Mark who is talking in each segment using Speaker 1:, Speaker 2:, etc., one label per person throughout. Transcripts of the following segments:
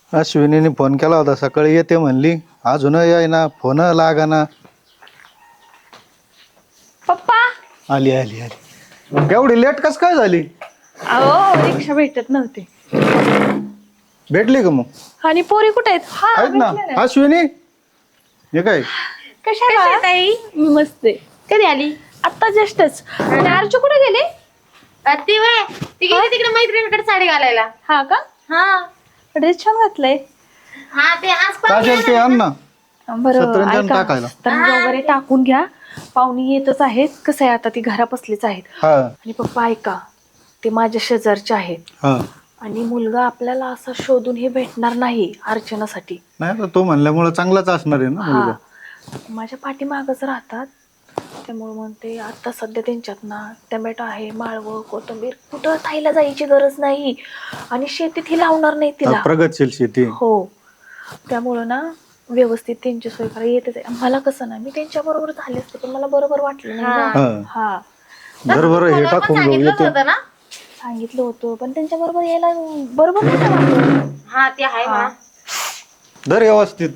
Speaker 1: अश्विनीने phone केला होता सकाळी येते म्हणली, अजून येईना, फोन लागाना.
Speaker 2: पप्पा
Speaker 1: आली आली आली. एवढी लेट कस काय झाली?
Speaker 2: अहो रिक्षा भेटत नव्हते.
Speaker 1: भेटली का मग?
Speaker 2: आणि पोरी कुठे आहेत? हा
Speaker 1: आहेत ना.
Speaker 2: भेटल्या ना.
Speaker 1: अश्विनी हे काय?
Speaker 2: कशा ताई? मी मस्त आहे.
Speaker 3: कधी आली?
Speaker 2: आता जस्टच. आणि अर्जू कुठे गेले?
Speaker 3: ती वय ती गेली तिकडे मैत्रिणीकडे साडी घालायला.
Speaker 2: हा का?
Speaker 3: हा
Speaker 2: ड्रेस छान घातलाय.
Speaker 3: हा ते आज
Speaker 1: काजल ते आण ना.
Speaker 2: बरं
Speaker 1: सतरंजन
Speaker 2: ऐका,
Speaker 1: टाकायला.
Speaker 2: सतरंजी वगैरे टाकून घ्या. पाहुणी येतच आहेत. कसं आहे आता ती घरा बसलीच आहेत.
Speaker 1: हा
Speaker 2: आणि पप्पा ऐका, ते माझ्या शेजारचे आहेत.
Speaker 1: हा.
Speaker 2: आणि मुलगा आपल्याला असा शोधून हे भेटणार नाही अर्चनासाठी.
Speaker 1: नाही आता तो म्हणल्यामुळे चांगलाच असणार आहे ना
Speaker 2: हा
Speaker 1: मुलगा.
Speaker 2: माझ्या पाठीमागच राहतात. त्यामुळे म्हणते आता सध्या त्यांच्यात ना टमॅटो आहे, माळवं, कोथिंबीर, कुठं ताईला जायची गरज नाही. आणि शेतीत ही लावणार नाही तिला.
Speaker 1: प्रगतशील शेती.
Speaker 2: हो, त्यामुळं ना व्यवस्थित त्यांची सोय करा. येते मला कसं ना, मी त्यांच्या बरोबर झाले असते पण मला बरोबर वाटलं नाही ना.
Speaker 1: हा.
Speaker 2: हा
Speaker 1: बरोबर हे टाकून घेऊ येते.
Speaker 3: होतं ना.
Speaker 2: सांगितलं होतं पण त्यांच्या बरोबर यायला बरोबर नाही वाटलं.
Speaker 3: हा ते आहे म्हणा.
Speaker 1: दर व्यवस्थित.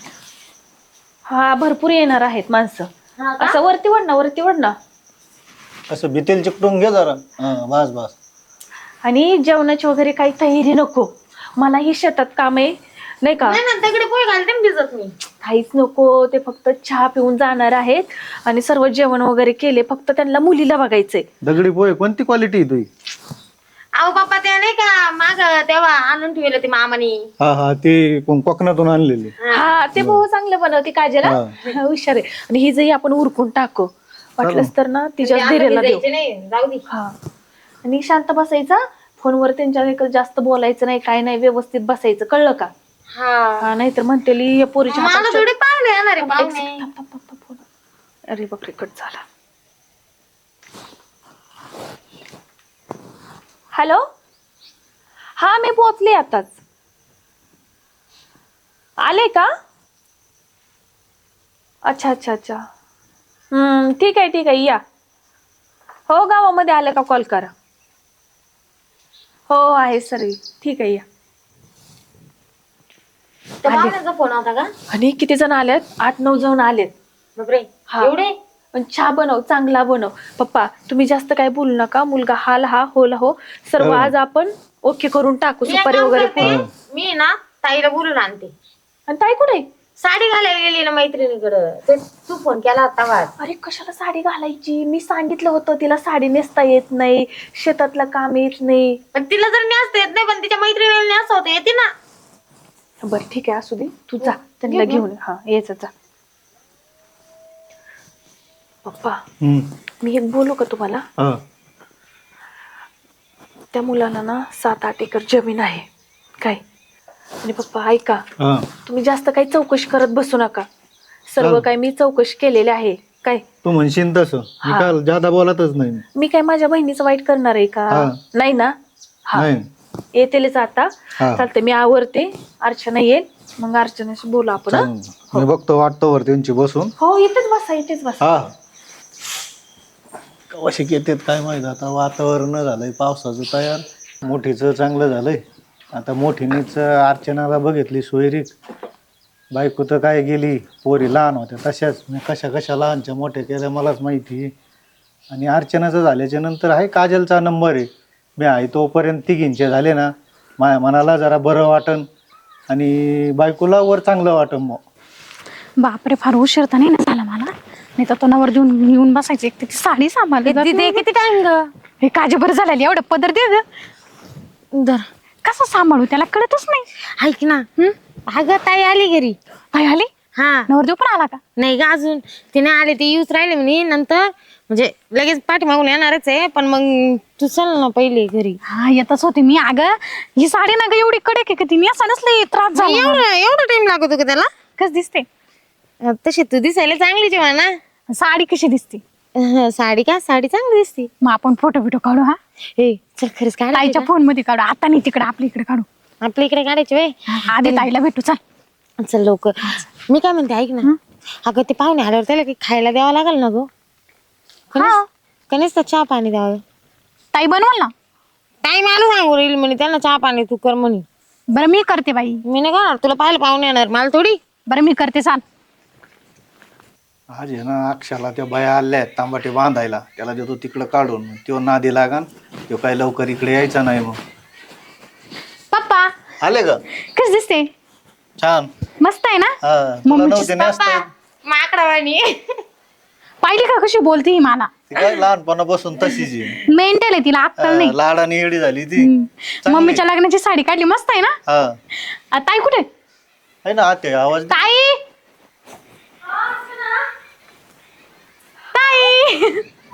Speaker 2: हा भरपूर येणार आहेत माणसं.
Speaker 3: हा का?
Speaker 2: असं वरती वड ना, वरती वड ना.
Speaker 1: असं भितील चिकटून घे जरा. हा बस बस.
Speaker 2: आणि जेवणाची वगैरे काही तयारी नको. मला ही शेतात काम आहे नाही का.
Speaker 3: नाही ना दगडी पोहे घालते ना भिजत मी.
Speaker 2: काहीच नको. ते फक्त चहा पिऊन जाणार आहेत. आणि सर्व जेवण वगैरे केले. फक्त त्यांना मुलीला बघायचंय.
Speaker 1: दगडी पोहे कोणती क्वालिटी तुझी?
Speaker 3: अहो बाप्पा ते नाही का माग तेव्हा आणून ठेवलं ते मामानी.
Speaker 1: हा हा ते कोकणातून आणलेली.
Speaker 2: हा ते भाऊ चांगलं बनवते काजल. हा, हुशार आहे. आणि ही जरी आपण उरकून टाकू वाटलंच तर ना तिच्या धीरेला देऊ.
Speaker 3: भिजायचे नाही जाऊ दे.
Speaker 2: हा आणि शांत बसायचा. फोनवर त्यांच्या जास्त बोलायचं नाही, काय नाही, व्यवस्थित बसायचं, कळलं का?
Speaker 3: हा
Speaker 2: नाहीतर म्हणतेली या पोरीच्या
Speaker 3: मला
Speaker 2: हातात
Speaker 3: थोडी पाहुणे येणार आहे
Speaker 2: थांब,
Speaker 3: पाहुणे.
Speaker 2: थांब, थांब, थांब, थांब, थांब. अरे बापरे कट झाला. हॅलो, हा मी पोहोचले आताच. आले का? अच्छा अच्छा अच्छा. ठीक आहे ठीक आहे या. हो गावामध्ये आलं का कॉल करा. हो आहे सर, ठीक आहे या.
Speaker 3: त्या पाहुण्याचा फोन होता का?
Speaker 2: आणि किती जण आलेत? 8-9 जण आलेत.
Speaker 3: बापरे
Speaker 2: हा.
Speaker 3: एवढे?
Speaker 2: पण चहा बनव, चांगला बनव. पप्पा तुम्ही जास्त काय बोलू नका. मुलगा हाल हा होला हो. सर्व आज आपण ओके करून टाकू.
Speaker 3: मी एक
Speaker 2: सुपारी
Speaker 3: काम
Speaker 2: वगैरे
Speaker 3: करते,
Speaker 2: फोडून.
Speaker 3: मी ना ताईला बोलून आणते.
Speaker 2: आणि ताई कुठे?
Speaker 3: साडी घालायला गेली ना मैत्रिणीकडं. ते तू फोन केला होता वाट.
Speaker 2: अरे कशाला साडी घालायची? मी सांगितलं होतं तिला साडी नेसता येत नाही, शेतातलं काम येत नाही.
Speaker 3: पण तिला जर न्यासता येत नाही पण तिच्या मैत्रिणीला न्यासता होतं येते ना.
Speaker 2: बरं ठीक आहे असू दे, तू जा त्यांना घेऊन. हा यायचं जा. पप्पा मी एक बोलू का तुम्हाला?
Speaker 1: हा.
Speaker 2: त्या मुलाला ना 7-8 एकर जमीन आहे काय. आणि पप्पा ऐका,
Speaker 1: हा.
Speaker 2: तुम्ही जास्त काही चौकशी करत बसू नका. सर्व काही मी चौकशी केलेले आहे काय.
Speaker 1: तू म्हणशील तसं मी
Speaker 2: हा.
Speaker 1: काल जादा बोलतच नाही.
Speaker 2: मी काय माझ्या बहिणीचं वाईट करणार आहे का?
Speaker 1: हा.
Speaker 2: नाही ना. हा
Speaker 1: नाही.
Speaker 2: येतेलेच आता.
Speaker 1: हा.
Speaker 2: चालते मी आवरते. अर्चना येईल मग अर्चनाशी बोलू आपण. हा?
Speaker 1: चालेल. मी बघतो वाटतो वर त्यांची बसून.
Speaker 2: हो इथेच बसा, इथेच बसा.
Speaker 1: हा. कशी येतात काय माहित. आता वातावरण झालंय पावसाचं तयार. मोठीचं चांगलं झालंय. आता मोठीनीच अर्चनाला बघितली सोयरीक. बायको तर काय गेली, पोरी लहान होत्या तशाच. मी कशा कशा लहानच्या मोठ्या केल्या मलाच माहिती. आणि अर्चनाचं झाल्याच्या नंतर आहे काजलचा नंबर आहे. मी आहे तोपर्यंत तिघींचे झाले ना, माझ्या मनाला जरा बरं वाटन आणि बायकोला वर चांगलं वाटन. मग
Speaker 4: बापरे फार उशीर तर नाही ना झाला मला. नाही तर तो नवर देऊन येऊन बसायची. एक ती साडी सांभाळली
Speaker 3: किती टाइम ग?
Speaker 4: हे काजी बरं झालेली. एवढं पदर दे ग.
Speaker 3: धर.
Speaker 4: कसं सांभाळू त्याला कळतच नाही.
Speaker 3: ऐक ना. अगं ताई आली घरी.
Speaker 4: काय आली?
Speaker 3: हा
Speaker 4: नवरदेव पण आला का?
Speaker 3: नाही ग अजून तिने आले ते येऊच राहिले म्हणे. नंतर म्हणजे लगेच पाठीमागून येणारच आहे. पण मग तू चल ना पहिले घरी.
Speaker 4: हा येतच होते मी. अगं ही साडी ना ग एवढी कडक आहे का ती नेसा नसली त्रास झाला.
Speaker 3: एवढा टाइम लागतो का त्याला?
Speaker 4: कस दिसते?
Speaker 3: तशी तू दिसायला चांगलीच आहे म्हणा.
Speaker 4: साडी कशी दिसते?
Speaker 3: साडी का? साडी चांगली दिसते.
Speaker 4: मग आपण फोटो बिटो काढू. हा
Speaker 3: ए चल खरंच काढ.
Speaker 4: ताईच्या फोन मध्ये काढू. आता नाही तिकडे आपल्या इकडे काढू.
Speaker 3: आपल्या इकडे काढायचे वे.
Speaker 4: आधी ताईला भेटू चल.
Speaker 3: चल लवकर. मी काय म्हणते ऐक ना. अगं ते पाहुणे आल्यावर त्याला काही खायला द्यावं लागेल ना गो. कणीस तर चहा पाणी द्यावं.
Speaker 4: ताई बनवल ना.
Speaker 3: ताई मला सांगू राहील म्हणे त्यांना चहा पाणी तू कर म्हणे.
Speaker 4: बरं मी करते बाई.
Speaker 3: मी नाही करणार, तुला पाहायला पाहुणे येणार मला थोडी.
Speaker 4: बरं मी करते, चाल.
Speaker 1: आज आहे ना अक्षाला त्या बाया आल्या आहेत तांबाटे बांधायला, त्याला देतो तिकडं काढून, तो नादी लागान, तो काय लवकर इकडे यायचा नाही. मग
Speaker 4: पप्पा
Speaker 1: आले का?
Speaker 4: कस दिसते?
Speaker 1: छान.
Speaker 4: मस्त आहे ना?
Speaker 1: हा तुला
Speaker 4: मम्मीची
Speaker 1: नव्हते नसतं.
Speaker 3: माकडावाणी.
Speaker 4: पाहिली का कशी बोलती ही मला?
Speaker 1: ती काय लहानपणापासून तशीच आहे.
Speaker 4: मेंटल आहे, तिला अक्कल नाही.
Speaker 1: लाडाने येडी झाली ती.
Speaker 4: मम्मीच्या लग्नाची साडी काढली, मस्त आहे ना?
Speaker 1: हा
Speaker 4: ताई कुठे?
Speaker 1: आहे ना आते आवाज.
Speaker 4: ताई ताई.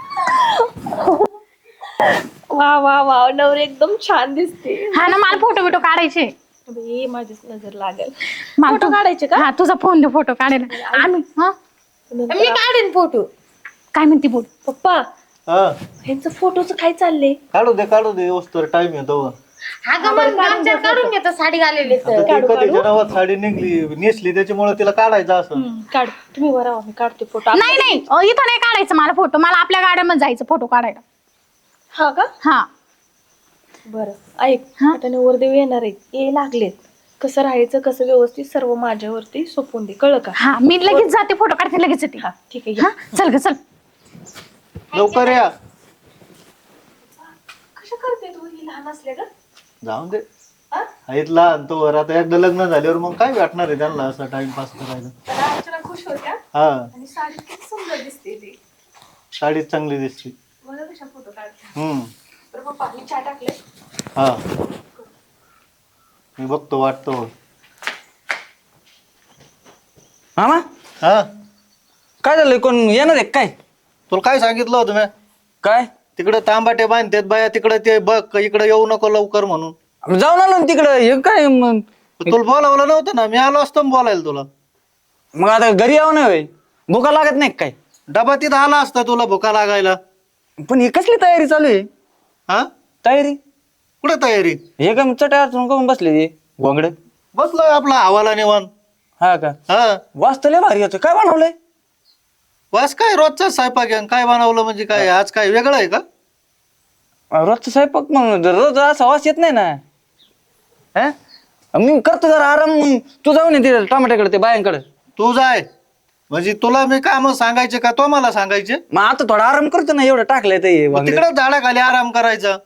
Speaker 2: वा वा वा, नवरी एकदम छान दिसते.
Speaker 4: हा ना, मला फोटो बिटो काढायचे.
Speaker 2: बाई, माझीच नजर लागेल.
Speaker 4: मला
Speaker 2: फोटो काढायचे का?
Speaker 4: हा, तुझा फोन दे फोटो काढायला. आम्ही हा
Speaker 3: मी काढेन फोटो.
Speaker 4: काय म्हणते बोल.
Speaker 2: पप्पा,
Speaker 1: हा
Speaker 2: ह्यांचं फोटोचं काय चाललंय?
Speaker 1: काढू दे वस्तूवर टाइम येतो.
Speaker 3: अगं मग आमच्या काढून घेतो साडी घालेली तर.
Speaker 1: आता ती कधीच्या नावात साडी निघली नेसली त्याच्यामुळे तिला काढायचं असं.
Speaker 2: काढ तुम्ही, बरं मी काढते फोटो.
Speaker 4: नाही नाही, इथं नाही काढायचं मला फोटो. मला आपल्या गाड्यामध्ये जायचं फोटो काढायला.
Speaker 2: हा का?
Speaker 4: हा
Speaker 2: बरं ऐक, आता नवरदेव येणार आहेत, ये लागलेत. कसं राहायचं, कसं व्यवस्थित सर्व माझ्यावरती सोपून दे, कळलं का?
Speaker 4: हा, मी लगेच जाते, फोटो काढते लगेच येते.
Speaker 2: हा ठीक आहे,
Speaker 4: हा चल ग चल.
Speaker 1: लवकर या.
Speaker 2: कशा करते तू ही लहान असल्या का?
Speaker 1: जाऊन दे. आहेत लहान तो वर, आता एकदा लग्न झाल्यावर मग काय वाटणार आहे त्यांना असं टाइमपास करायला.
Speaker 2: त्याला अर्चना खुश होत्या
Speaker 1: हा
Speaker 2: आणि साडीत किती सुंदर दिसते ती.
Speaker 1: साडीत चांगली दिसते.
Speaker 2: मला कशा फोटो काढते.
Speaker 1: हम्म.
Speaker 2: बरं पप्पा, मी चहा टाकले.
Speaker 1: हा मी बघतो वाटतो.
Speaker 5: मामा
Speaker 1: हा
Speaker 5: काय झालंय, कोण येणार आहे काय?
Speaker 1: तुला काय सांगितलं होतं मी?
Speaker 5: काय
Speaker 1: तिकडे तांबाटे बांधतात बाया, तिकडे ते बघ, इकडे येऊ नको लवकर म्हणून.
Speaker 5: आम्ही जाऊन आलो ना तिकडं. हे काय मग?
Speaker 1: तुला बोलावलं नव्हतं ना, मी आलो असतो ना बोलायला तुला.
Speaker 5: मग आता घरी यावं नाही होय? भुका लागत नाही का काय?
Speaker 1: डबा तिथं आला असता तुला भुका लागायला.
Speaker 5: पण ही कसली तयारी चालू आहे?
Speaker 1: हा
Speaker 5: तयारी
Speaker 1: कुठे तयारी?
Speaker 5: हे काय चट्या अडचण करून बसले ते घोंगडे.
Speaker 1: बसलोय आपला हवाला निवान.
Speaker 5: हा का?
Speaker 1: हा
Speaker 5: वाजता लय भारी होतं. काय बनवलंय?
Speaker 1: वास काय रोजचा स्वयंपाक आहे. काय बनवलं म्हणजे काय, आज काय वेगळं आहे का?
Speaker 5: रोजचा स्वयंपाक मग रोज असा वास येत नाही ना. हा मी करतो जरा आराम. मग तू जाऊन ये तिथे टमाट्याकडे, ते बायांकडे.
Speaker 1: तू जाय म्हणजे तुला मी काम सांगायचे का तो मला सांगायचे?
Speaker 5: मग आता थोडा आराम करतो ना, एवढं टाकलंय ते वांगे.
Speaker 1: तिकडे झाडाखाली आराम करायचा.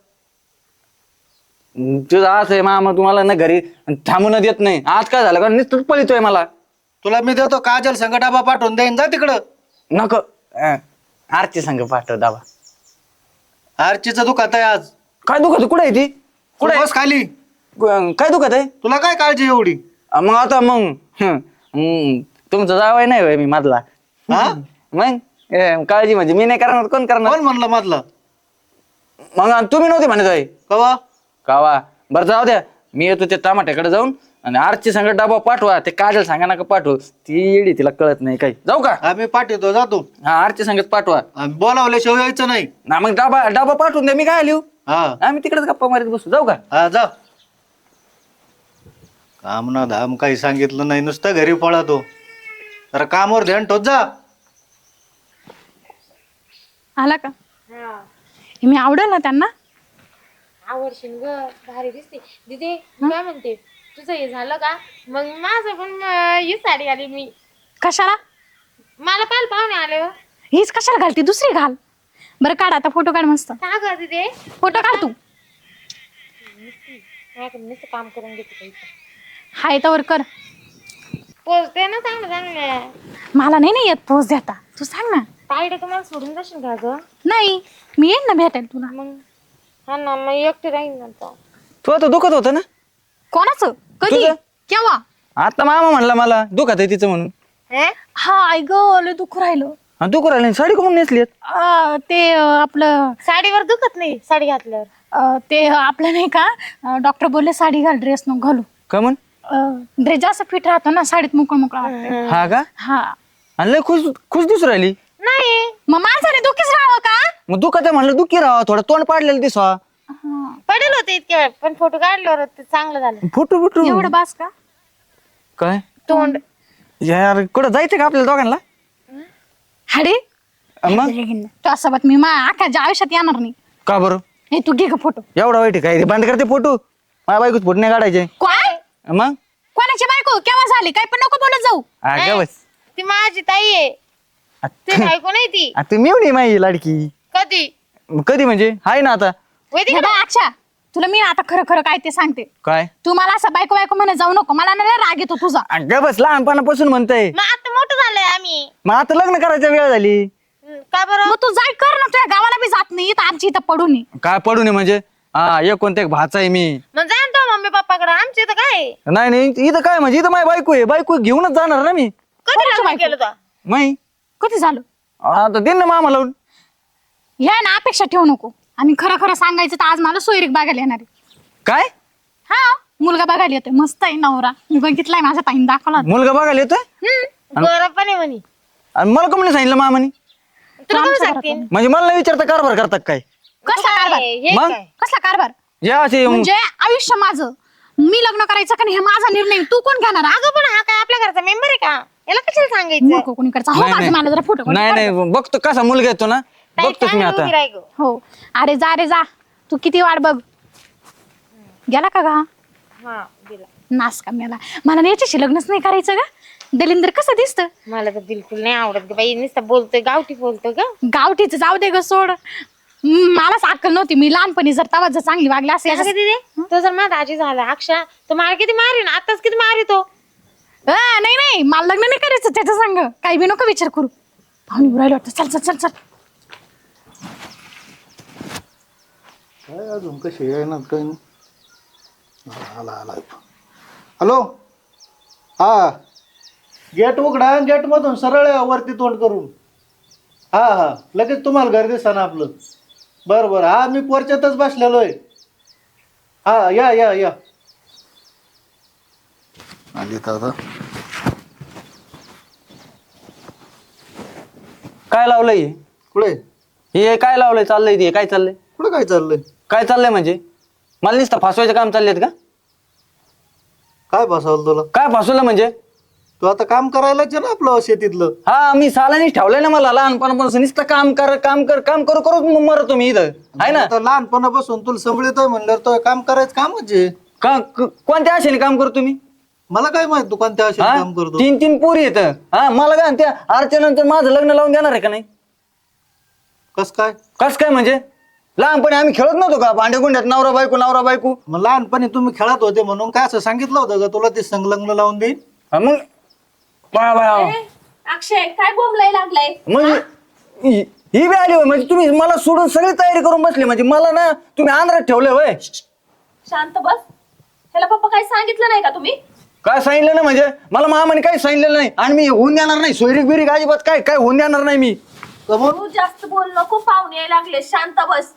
Speaker 5: तुझं असं आहे मामा, तुम्हाला ना घरी थांबून देत नाही. आज काय झालं का नुसतं पळितोय मला.
Speaker 1: तुला मी देतो काजल संग डबा पाठवून देईन, जा तिकडं.
Speaker 5: नको आरती संग पाठव दाबा.
Speaker 1: आरचीचं दुखात आहे आज.
Speaker 5: काय दुखत? कुठे आहे ती? कुठे
Speaker 1: बस खाली.
Speaker 5: काय दुखत आहे?
Speaker 1: तुला काय काळजी एवढी?
Speaker 5: मग आता मग तुमचं जावं नाही होय मी मधला.
Speaker 1: हा
Speaker 5: मग काळजी म्हणजे मी नाही करणार, कोण करणार?
Speaker 1: कोण म्हणलं मधला?
Speaker 5: मग तुम्ही नव्हते म्हणत होय
Speaker 1: कवा?
Speaker 5: कावा. बरं जाऊ द्या, मी येतो त्या टमाट्याकडे जाऊन आणि आरची संग डबा पाठवा. ते काजल सांगा नका पाठवू, ती येडी, तिला कळत नाही काही. जाऊ का?
Speaker 1: आम्ही पाठवतो, जातो.
Speaker 5: हा आरची संगत पाठवा.
Speaker 1: आम्ही बोलावल्याशिवाय यायचं नाही.
Speaker 5: ना मग डबा पाठवून द्या, मी काय लिहू.
Speaker 1: हा
Speaker 5: आम्ही तिकडेच गप्पा मारीत बसू. जाऊ का?
Speaker 1: हा जा. काम ना धाम काही सांगितलं नाही, नुसतं घरी पळतो. जरा कामावर ध्यान ठेवत जा.
Speaker 4: आला का? मी आवडेल ना त्यांना?
Speaker 3: आवडशील ग, भारी दिसते. दीदी काय म्हणते, तुझं हे झालं का? मग माझं पण ही साडी आली. मी
Speaker 4: कशाला?
Speaker 3: मला पाहुणे आले.
Speaker 4: हीच कशाला घालते, दुसरी घाल. बरं काढ आता, फोटो काढ मस्त.
Speaker 3: का ग दीदी?
Speaker 4: फोटो काढ तू.
Speaker 3: नुसतं काम करून घेते.
Speaker 4: हाय तवर कर.
Speaker 3: पोचते ना चांगलं चांगलं.
Speaker 4: मला नाही येत पोच देता, तू सांग ना.
Speaker 3: ताईडे तुम्हाला सोडून जाशील का ग?
Speaker 4: नाही, मी येईन ना भेटायला तुला.
Speaker 3: मग हा ना, मग एकटे राहील ना.
Speaker 5: तू आता दुखत होतं ना?
Speaker 4: कोणाचं? कधी?
Speaker 5: तुझं?
Speaker 4: केव्हा?
Speaker 5: आता मामा म्हणला मला दुखत आहे तिचं म्हणून.
Speaker 4: हा ऐक, लय दुःख राहिलं.
Speaker 5: हा दुखू राहिले. साडी कोण नेसली?
Speaker 4: ते आपलं
Speaker 3: साडीवर दुखत नाही साडी घातल्यावर.
Speaker 4: ते आपलं नाही का, डॉक्टर बोलले साडी घाल, ड्रेस नको घालू.
Speaker 5: का म्हण?
Speaker 4: ड्रेस जास्त फिट राहतो ना, साडीत मोकळं मोकळं वाटतं.
Speaker 5: हा का?
Speaker 4: हा.
Speaker 5: आणि लय खुश दिसू राहिली.
Speaker 3: नाही
Speaker 4: मग माणसाने दुःखीच राहावं का?
Speaker 5: मग दुखत आहे म्हणलं दुखी राहा, थोडं तोंड पाडलेलं दिसवा.
Speaker 3: पडेल होते इतके वेळ, पण फोटो काढल्यावर ते चांगलं झालं.
Speaker 5: फुटू
Speaker 4: एवढं बास का?
Speaker 5: काय
Speaker 3: तोंड
Speaker 5: यार, कुठं जायचं का आपल्याला दोघांना?
Speaker 4: हाडे
Speaker 5: मग
Speaker 4: त्यासोबत मी आखाच्या आयुष्यात येणार नाही.
Speaker 5: का बरं?
Speaker 4: हे तू घे का फोटो.
Speaker 5: एवढा वाईट आहे काय? बंद करते फोटो. माझ्या बायकोच फोटो नाही काढायचे.
Speaker 4: काय?
Speaker 5: मग
Speaker 4: कोणाची बायको केव्हा झाली काय पण नको बोलत जाऊ.
Speaker 5: अगं बस
Speaker 3: ती माझी ताई आहे, ती बायको नाही ती.
Speaker 5: आता मिळून माझी लाडकी.
Speaker 3: कधी
Speaker 5: कधी म्हणजे हाय ना आता.
Speaker 4: हे बघ अक्षा, तुला मी आता खरं खरं काय ते सांगते.
Speaker 5: काय
Speaker 4: तू मला असं बायको बायको म्हणत जाऊ नको, मला ना लय राग येतो तुझा.
Speaker 5: अगं बस लहानपणापासून म्हणतंय.
Speaker 3: मग आता मोठं झालंय आम्ही.
Speaker 5: मग आता लग्न करायची वेळ झाली.
Speaker 3: का बरं?
Speaker 4: मग तू जाय कर ना, तुझ्या गावाला बी जात नाही इथं आमची इथं पडून ये.
Speaker 5: काय पडू नये म्हणजे हा एक कोणत्या भाचा आहे मी.
Speaker 3: मग जा ना तो मम्मी पप्पाकडे, आमच्या इथं काय आहे?
Speaker 5: नाही नाही इथं काय म्हणजे इथं माझी बायको आहे. बायको घेऊनच जाणार ना मी.
Speaker 3: कधी
Speaker 4: कोणाची
Speaker 3: लग्न
Speaker 4: बायको?
Speaker 3: केलं तो?
Speaker 5: नाही
Speaker 4: कधी झालं?
Speaker 5: आता दे ना मामा लावून.
Speaker 4: ह्या ना अपेक्षा ठेवू नको. आणि खरं खरं सांगायचं तर आज मला सोयरीक बघायला येणार आहे.
Speaker 5: काय
Speaker 4: हा, मुलगा बघायला येतोय, मस्त आहे नवरा. मी बघितलाय, माझ्या ताईने दाखवला होता.
Speaker 5: मुलगा बघायला येतोय.
Speaker 3: बरं पण आहे म्हणे.
Speaker 5: आणि मला कोणी सांगितलं मामानी?
Speaker 3: तुला
Speaker 4: आमच्या
Speaker 3: कोण
Speaker 4: घरात
Speaker 3: सांगतील?
Speaker 5: म्हणजे मला नाही विचारता कारभार करतात काय?
Speaker 4: कसला कारभार?
Speaker 3: हे
Speaker 5: मग?
Speaker 3: काय?
Speaker 4: कसला कारभार
Speaker 5: जे असे
Speaker 4: म्हणजे आयुष्य माझं, मी लग्न करायचं का नाही हे माझा निर्णय, तू कोण घेणार?
Speaker 3: अगं पण हा काय आपल्या घरचा मेंबर आहे का? याला कशाला सांगायचं?
Speaker 4: मूर्ख कोणी करचा. हो,
Speaker 5: नाही,
Speaker 4: माझं
Speaker 5: नाही.
Speaker 4: मला जरा फोटो
Speaker 5: नाही नाही बघतो कसा मुलगा येतो ना,
Speaker 3: ताई,
Speaker 5: बघतोच मी
Speaker 3: चांगली
Speaker 5: आता.
Speaker 3: उभी राही गं.
Speaker 4: हो. अरे जा रे जा, तू किती वाट बघ. गेला का गा
Speaker 3: हा, दिला.
Speaker 4: नास का मला, मला याच्याशी लग्नच नाही करायचं का? दलिंदर कसं दिसतं?
Speaker 3: मला तर बिलकुल नाही आवडत ग बाई, नुसतं बोलतोय गावठी बोलतोय ग.
Speaker 4: गावठीच जाऊ दे ग, सोड. मलाच अक्कल नव्हती, मी लहानपणी जर तवा जर चांगली वागली असे
Speaker 3: असं किती दे तो जर माझा आजी झाला अक्षा, तो मला किती मारी ना, आताच किती मारी तो.
Speaker 4: नाही नाही, मला लग्न नाही करायचं त्याच्या संग. काही बी नको विचार करू. पाहुणे उरायला वाटतं. चल चल चल चल.
Speaker 1: काय अजून कशी येणार काही नाही. आला आला. हॅलो, हा गेट उघडा, गेट मधून सरळ वरती तोंड करून. हा हा लगेच तुम्हाला घर दिसा ना आपलं. बरं बरं, हा मी पोरच्यातच बसलेलो आहे. हा या या या. आली आता.
Speaker 5: काय लावलंय
Speaker 1: कुठे
Speaker 5: हे? काय लावलंय? चाललंय ते काय चाललंय?
Speaker 1: कुठे काय चाललंय?
Speaker 5: काय चाललंय म्हणजे मला नुसतं फासवायचं काम चाललेत का?
Speaker 1: काय बसवलं तुला?
Speaker 5: काय फासवलं म्हणजे?
Speaker 1: तू आता काम करायलाच आहे ना आपलं शेतीतलं.
Speaker 5: हा मी सालानीच ठेवलंय ना मला लहानपणापासून. नुसतं काम कर काम कर काम करू करू मरतो मी इथं आहे ना.
Speaker 1: आता लहानपणापासून तुला संभळतोय म्हणल्यावर तो काम करायचं कामच आहे.
Speaker 5: कोणत्या आशेने काम करतो मी?
Speaker 1: मला काय माहित तू कोणत्या अशा
Speaker 5: हा?
Speaker 1: काम करतो.
Speaker 5: 3-3 पोरी येत. हा मला काय त्या अर्चनानंतर माझं लग्न लावून देणार आहे का नाही?
Speaker 1: कस काय?
Speaker 5: कस काय म्हणजे? लहानपणी आम्ही खेळत नव्हतो का भांडे गुंड्यात नवरा बायको नवरा बायको?
Speaker 1: मग लहानपणी तुम्ही खेळत होते म्हणून काय असं सांगितलं होतं का तुला ते संलग्न लावून देईन?
Speaker 5: हा, मग बाळा बाळा
Speaker 2: अक्षय काय बोंबलाय लागलाय?
Speaker 5: म्हणजे ही बी आली होय. म्हणजे तुम्ही मला सोडून सगळी तयारी करून बसली. म्हणजे मला ना तुम्ही आंध्रात ठेवलंय होय.
Speaker 2: शांत बस. ह्याला पप्पा काही सांगितलं नाही का तुम्ही?
Speaker 5: काय सांगितलं ना म्हणजे मला मामाने काही सांगितलेलं नाही. आणि मी होऊन देणार नाही सोयरीक बिरीक अजिबात काय काय होऊन देणार नाही मी.
Speaker 2: तू जास्त बोल नको, पाहुणे यायला लागले. शांत बस.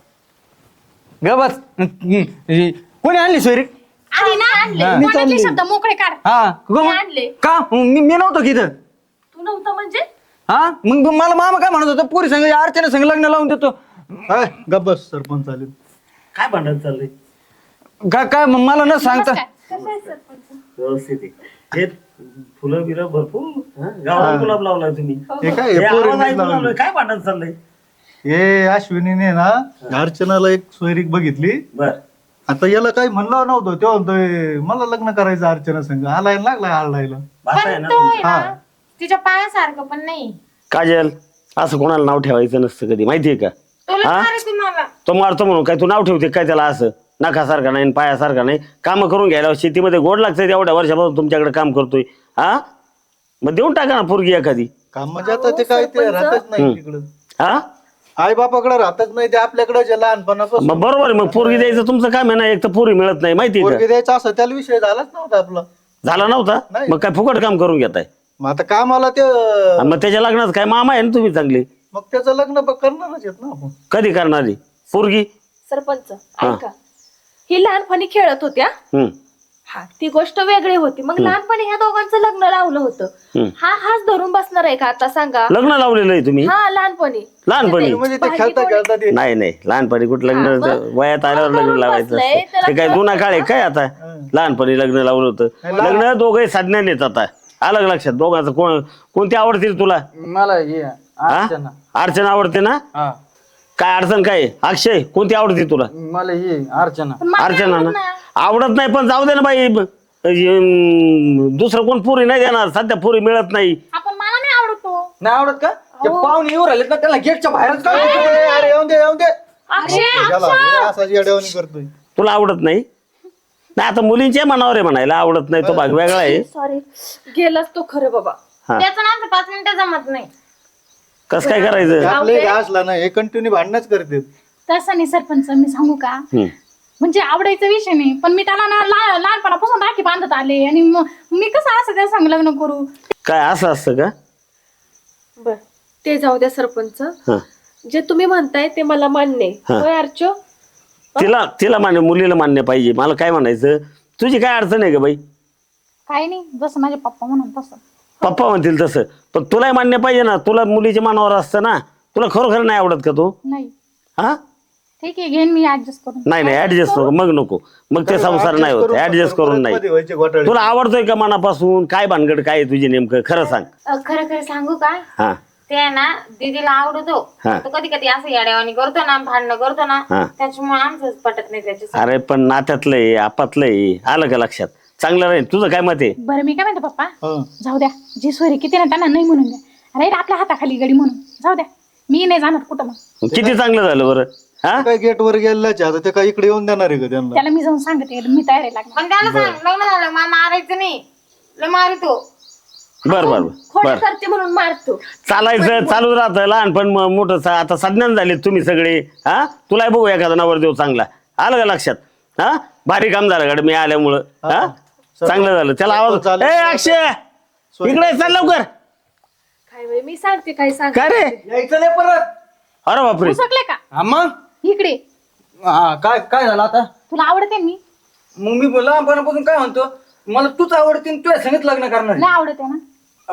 Speaker 5: ग बस. कोणी आणली सोयरीक?
Speaker 4: आधी ना
Speaker 5: हा.
Speaker 4: मनातले शब्द मोकळे काढ.
Speaker 5: हा
Speaker 2: मी आणले.
Speaker 5: का मी नव्हतो की इथं.
Speaker 2: तू नव्हतं म्हणजे?
Speaker 5: हा मग मला मामा काय म्हणत होता पुरी संघ अर्चना संघ लग्न लावून देतो.
Speaker 1: काय गब्बस सरपंच आले. काय भांडण चाललंय?
Speaker 5: काय मग मला न सांगता
Speaker 6: व्यवस्थित आहे. हे फुलं बिलं भरपूर गावाला गुलाब लावलाय तुम्ही.
Speaker 1: हे काय
Speaker 6: हे
Speaker 1: हे
Speaker 6: आवाज
Speaker 1: पोरींनीच
Speaker 6: ऐकून
Speaker 1: लावलं.
Speaker 6: आलोय. काय भांडण चाललंय?
Speaker 1: हे अश्विनीने ना अर्चनाला एक सोयरीक बघितली.
Speaker 6: बर
Speaker 1: आता याला काही म्हणलं नव्हतं तेव्हा म्हणतोय मला लग्न करायचं अर्चना संघ. आलाय लागलाय आरडायला.
Speaker 6: भाषा आहे ना
Speaker 3: तो
Speaker 6: तुमची.
Speaker 3: आहे ना, तिच्या पायासारखं पण नाही.
Speaker 7: काजल असं कोणाला नाव ठेवायचं नसतं कधी माहितीये का?
Speaker 3: तुला
Speaker 7: हा?
Speaker 3: मारे तुम्हाला.
Speaker 7: तो मारतो म्हणून काय तू नाव ठेवते काय त्याला? असं नखासारखा नाही पायासारखा नाही. काम करून घ्यायला शेतीमध्ये गोड लागतं. एवढ्या वर्षापासून तुमच्याकडे काम करतोय. हा मग देऊन टाका ना पोरगी एखादी.
Speaker 1: काम म्हणजे आता ते काय ते राहतच नाही तिकडं.
Speaker 7: हा
Speaker 1: आई बापाकडे राहतच नाही ते आपल्याकडे जे लहानपणापासून.
Speaker 7: मग बरोबर आहे. मग पोरगी द्यायचं तुमचं काम आहे ना. एक तर पोरी मिळत नाही माहितीये
Speaker 1: पोरगी
Speaker 7: का?
Speaker 1: द्यायचा असं त्याला विषय झालाच नव्हता आपला.
Speaker 7: झाला नव्हता
Speaker 1: नाही.
Speaker 7: मग काय फुकट काम करून घेताय?
Speaker 1: मग आता कामाला ते
Speaker 7: आणि मग त्याच्या लग्नात काय मामा आहे ना तुम्ही चांगले.
Speaker 1: मग त्याचं लग्न करणारच आहेत ना आपण.
Speaker 7: कधी करणारी पोरगी?
Speaker 2: सरपंच ऐका, ही लहानपणी खेळत होत्या.
Speaker 7: हम्म
Speaker 2: हा ती गोष्ट वेगळी होती. मग लहानपणी ह्या दोघांचं लग्न लावलं होतं. हा हाच धरून बसणार आहे का आता सांगा?
Speaker 7: लग्न लावलेलं आहे तुम्ही
Speaker 2: हा लहानपणी.
Speaker 7: लहानपणी?
Speaker 1: म्हणजे ते खेळता खेळता ते
Speaker 7: नाही नाही लहानपणी कुठं लग्न वयात आल्यावर लग्न लावायचं
Speaker 2: बसलंय,
Speaker 7: असतं.
Speaker 2: त्याला
Speaker 7: ते काय जुना काळ आहे काय आता? लहानपणी लग्न लावलं होतं. लग्न दोघे साधण्याने येत आता. अलग लक्षात दोघांचं कोणती आवडतील तुला?
Speaker 5: मला हे
Speaker 7: हा?
Speaker 5: अर्चना.
Speaker 7: अर्चना आवडते ना?
Speaker 5: हा
Speaker 7: काय अडचण काय आहे? अक्षय कोणती आवडते तुला?
Speaker 5: मला हे अर्चना.
Speaker 7: अर्चना ना आवडत नाही पण जाऊ दे ना बाई. दुसरं कोण पुरी नाही देणार, सध्या पुरी मिळत नाही.
Speaker 4: आपण मला नाही आवडतो.
Speaker 5: नाही आवडत का ते पाहुणे येऊ राहिलेत ना त्याला गेटच्या बाहेरच काढून
Speaker 1: ए, अरे येऊन दे येऊन दे
Speaker 2: अक्षय
Speaker 1: असा येड्यावानी करतोय.
Speaker 7: तुला आवडत नाही? नाही आता मुलींच्या मनावर आहे म्हणायला, आवडत नाही तो भाग वेगळा आहे.
Speaker 2: सॉरी, गेलाच तो खरं बाबा.
Speaker 7: हा,
Speaker 3: त्याचं ना आमचं 5 मिनिटं जमत नाही.
Speaker 7: कसं काय करायचं?
Speaker 1: आपले घासला ना हे कंटिन्यू भांडणच करते.
Speaker 4: तसं नाही सरपंच, मी सांगू का,
Speaker 7: हम्म.
Speaker 4: म्हणजे आवडायचा विषय नाही, पण मी त्याला ना लहानपणापासून राखी बांधत आले आणि मी कसं असं त्या संग लग्न करू.
Speaker 7: काय असं असतं का?
Speaker 2: बर, ते जाऊ द्या सरपंच.
Speaker 7: हा,
Speaker 2: जे तुम्ही म्हणताय ते मला मान्य आहे.
Speaker 7: हा.
Speaker 2: होय अर्चो?
Speaker 7: तिला मान्य, मुलीला मान्य पाहिजे. मला काय म्हणायचं, तुझी काय अडचण आहे का बाई?
Speaker 4: काही नाही, जसं माझे पप्पा म्हणून तसं.
Speaker 7: पप्पा म्हणतील तसं, पण तुलाही मान्य पाहिजे ना. तुला मुलीच्या मनावर असतं ना. तुला खरोखर नाही आवडत का तू?
Speaker 4: नाही,
Speaker 7: हा,
Speaker 4: ठीक आहे, घेईन मी ऍडजस्ट करून.
Speaker 7: नाही ऍडजस्ट नको, मग नको, मग ते संसार नाही होत. ऍडजस्ट करून नाही.
Speaker 1: व्हायचे घोटाळे.
Speaker 7: तुला आवडतोय का मनापासून? काय भानगड काय आहे तुझी नेमकं, खरं सांग.
Speaker 3: खरं खरं सांगू का,
Speaker 7: हा,
Speaker 3: ते आहे ना दीदीला आवडतो.
Speaker 7: हा.
Speaker 3: तो कधी कधी असं येड्यावानी करतो ना, भांडणं करतो ना,
Speaker 7: हा.
Speaker 3: त्याच्यामुळे आमचंच पटत नाही त्याच्या.
Speaker 7: अरे पण नात्यातलं आहे, आपातलं आहे, आलं का लक्षात? चांगलं राहील. तुझं काय मत आहे?
Speaker 4: बरं, मी काय म्हणते पप्पा,
Speaker 1: हं.
Speaker 4: जाऊ द्या, जी सोयरी किती ना त्यांना नाही म्हणून द्या. अरे आपल्या हाताखाली गडी म्हणून जाऊ द्या, मी नाही जाणार कुठं. मग
Speaker 7: किती चांगलं झालं बरं. हा,
Speaker 1: काय गेट वर गेलाच आता ते काय इकडे येऊन देणार आहे का त्यांना?
Speaker 4: त्याला मी जाऊन सांगते, मी तयार आहे लागणार.
Speaker 3: पण त्याला सांग लग्न झालं मला मारायचं नाही, लय मारितो.
Speaker 7: बर बर
Speaker 2: खोड
Speaker 7: बर.
Speaker 2: करते म्हणून मारतो.
Speaker 7: चालायचं चालू राहतं. लहानपण मोठं आता सज्ञान झाले तुम्ही सगळे. हा, तुलाही बघू एखादा नवरदेव चांगला. आलं का लक्षात? हा, भारी काम झालं गाडी मी आल्यामुळं. हा, चांगलं झालं. त्याला आवाज, ए अक्षय इकडे चल लवकर.
Speaker 2: काय बाई, मी सांगते काय सांग.
Speaker 7: काय रे?
Speaker 5: यायचं नाही परत.
Speaker 7: अरे बापरे.
Speaker 4: सकले का
Speaker 5: हा मग
Speaker 4: इकडे?
Speaker 5: हा, काय काय झालं आता?
Speaker 4: तुला आवडते मी?
Speaker 5: मग मी लहानपणापासून काय म्हणतो, मला तूच आवडते आणि तुझ्या संगत लग्न करणार
Speaker 4: नाही आवडते ना?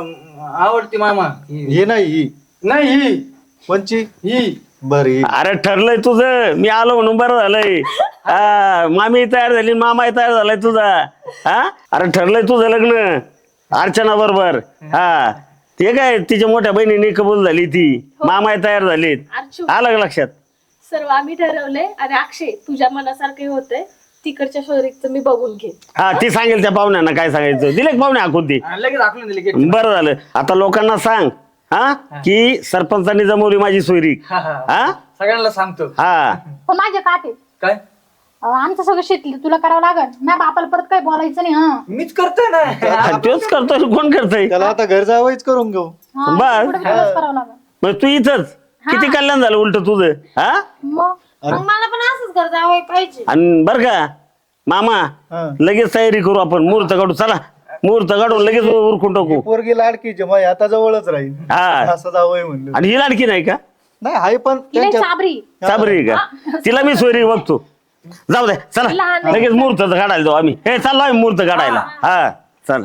Speaker 5: आवडते मामा.
Speaker 1: हे नाही ही
Speaker 5: नाही ही
Speaker 1: कोणची
Speaker 5: ही
Speaker 1: बरी.
Speaker 7: अरे ठरलंय तुझं. मी आलो म्हणून बरं झालंय. हा, मामी तयार झाली, मामाही तयार झालाय तुझा. हा, अरे ठरलंय तुझं लग्न अर्चना बरोबर. हा, ते काय तिच्या मोठ्या बहिणीने कबूल झाली, ती मामाही तयार झालीत.
Speaker 2: अर्चू,
Speaker 7: आलं का लक्षात?
Speaker 2: सर्व आम्ही ठरवलंय. आणि अक्षय, तुझ्या मनासारखं होतंय, तिकडच्या शहरीचं मी बघून घे.
Speaker 7: हा, ती सांगेल त्या पाहुण्यांना काय सांगायचं. दिले का पाहुणे हाकून ती?
Speaker 5: लगेच दाखवून दिले गेट.
Speaker 7: बरं झालं. आता लोकांना सांग हा की सरपंचांनी जमवली माझी सोयरी. हा,
Speaker 5: सगळ्यांना सांगतो.
Speaker 7: हा,
Speaker 4: पण माझे काटे
Speaker 5: काय
Speaker 4: आमचं सगळं शेती तुला करावं लागल. माझ्या बापाला परत काही बोलायचं नाही. हा
Speaker 5: मीच करतोय ना.
Speaker 7: तोच करतोय. कोण करतोय?
Speaker 1: त्याला आता घर जावंच करून घेऊ.
Speaker 4: हा,
Speaker 7: बस.
Speaker 4: पुढे सगळंच करावं लागल.
Speaker 7: मग तू इथंच किती कल्याण झालं उलट तुझं. हा,
Speaker 4: मग
Speaker 3: मग मला पण असंच करता हवंय पाहिजे.
Speaker 7: आणि बर का मामा,
Speaker 1: हा.
Speaker 7: लगेच तयारी करू आपण. मुहूर्त काढू. चला मुहूर्त काढून लगेच उरकून टाकू.
Speaker 1: पोरगी लाडकीची मग आता जवळच राहील.
Speaker 7: हा,
Speaker 1: असं जावंय म्हणलं.
Speaker 7: आणि ही लाडकी नाही का?
Speaker 1: नाही हाय पण
Speaker 4: तिला
Speaker 1: त्यांच्या
Speaker 4: चाबरी.
Speaker 7: साबरी का? तिला मी सोयरी बघतो. जाऊ दे चला, लगेच मुहूर्त काढायला जाऊ आम्ही. हे चाललो आम्ही मुहूर्त काढायला. हा चला.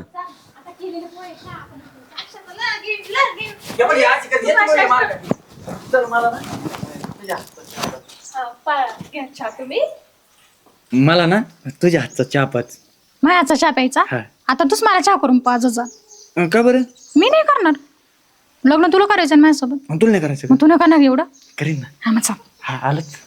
Speaker 5: चल मला ना
Speaker 2: घ्या तुम्ही.
Speaker 5: मला ना तुझ्या हातचा चहा पाच.
Speaker 4: माझ्याचा चहा प्यायचा? आता तूच मला चहा करून पाच जा.
Speaker 5: का बरं?
Speaker 4: मी नाही करणार लग्न. तुला करायचं ना माझ्यासोबत.
Speaker 5: तुला नाही करायचं
Speaker 4: मग तू नाही करणार एवढं?
Speaker 5: करीन ना.
Speaker 4: हा मग चल.
Speaker 5: हा आलंच.